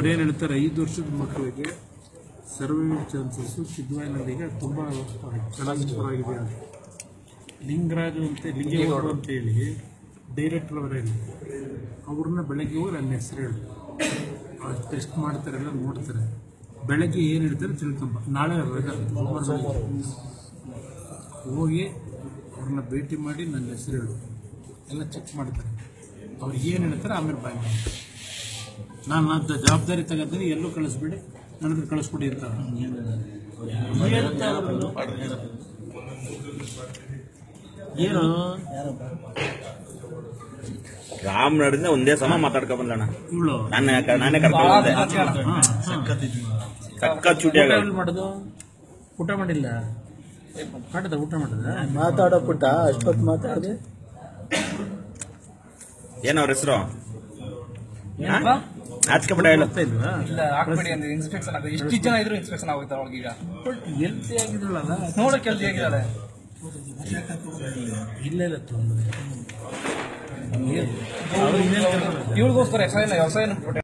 ಏನು ಹೇಳ್ತಾರೆ, 5 ವರ್ಷದ ಮಕ್ಕಳಿಗೆ ಸರ್ವೈವಲ್ ಚಾನ್ಸಸ್ ಸಿದ್ಧವಾಯಿನಲ್ಲಿಗೆ ತುಂಬ ಚೆನ್ನಾಗಿದೆ ಅಂತ. ಲಿಂಗರಾಜು ಅಂತ ಲಿಂಗೇಗೌಡರು ಅಂತೇಳಿ ಡೈರೆಕ್ಟರ್ ಅವರೇನು ಅವ್ರನ್ನ ಬೆಳಗ್ಗೆ ಹೋಗಿ ನನ್ನ ಹೆಸರು ಹೇಳಿ ಟೆಸ್ಟ್ ಮಾಡ್ತಾರೆ, ಎಲ್ಲ ನೋಡ್ತಾರೆ. ಬೆಳಗ್ಗೆ ಏನು ಹೇಳ್ತಾರೆ ತಿಳ್ಕೊಂಬ, ನಾಳೆ ಹೋಗಿ ಅವ್ರನ್ನ ಭೇಟಿ ಮಾಡಿ ನನ್ನ ಹೆಸರು ಹೇಳು, ಎಲ್ಲ ಚೆಕ್ ಮಾಡ್ತಾರೆ. ಅವ್ರು ಏನು ಹೇಳ್ತಾರೆ ಆಮೇಲೆ ಬಾಯ್ ಮಾಡ್ತಾರೆ. ನಾನು ಅದು ಜವಾಬ್ದಾರಿ ತಗೋತೀನಿ, ಎಲ್ಲೂ ಕಳಿಸ್ಬಿಡಿ, ನನ್ನ ಹತ್ರ ಕಳಿಸ್ಬಿಡಿ ಅಂತ ಏನು ರಾಮ್ ನಡಿಂದ ಒಂದೇ ಸಮ ಮಾತಾಡ್ಕೊ ಬಂದಣ್ಣ. ಇವಳು ನಾನೇ ಕರ್ಕೊಂಡು ಸಖತ್ ಚೂಟಿ ಮಾಡೋದು. ಊಟ ಮಾಡಿಲ್ಲ, ಮಾಡಿದ ಊಟ ಮಾಡಿದ ಮಾತಾಡೋ ಪುಟ್ಟ ಅಷ್ಟೊತ್ತು ಮಾತಾಡಿದೆ. ಏನ್ ಅವ್ರ ಹೆಸರು? ಆಚ್ಕಪಡ ಹೇಳುತ್ತಾ ಇಲ್ವಾ? ಇನ್ಸ್ಪೆಕ್ಷನ್ ಆಗುತ್ತೆ. ಎಷ್ಟು ಜನ ಇದ್ರು ಇನ್ಸ್ಪೆಕ್ಷನ್ ಆಗುತ್ತೆ ಅವ್ಳಿಗೀಗ. ಹೆಲ್ತಿ ಆಗಿದ್ರಲ್ಲ, ನೋಡಕ್ಕೆ ಹೆಲ್ತಿ ಆಗಿದ್ದಾಳೆ. ಇಲ್ಲ ತೊಂದರೆ ಇವಳಿಗೋಸ್ಕರ ವ್ಯವಸಾಯ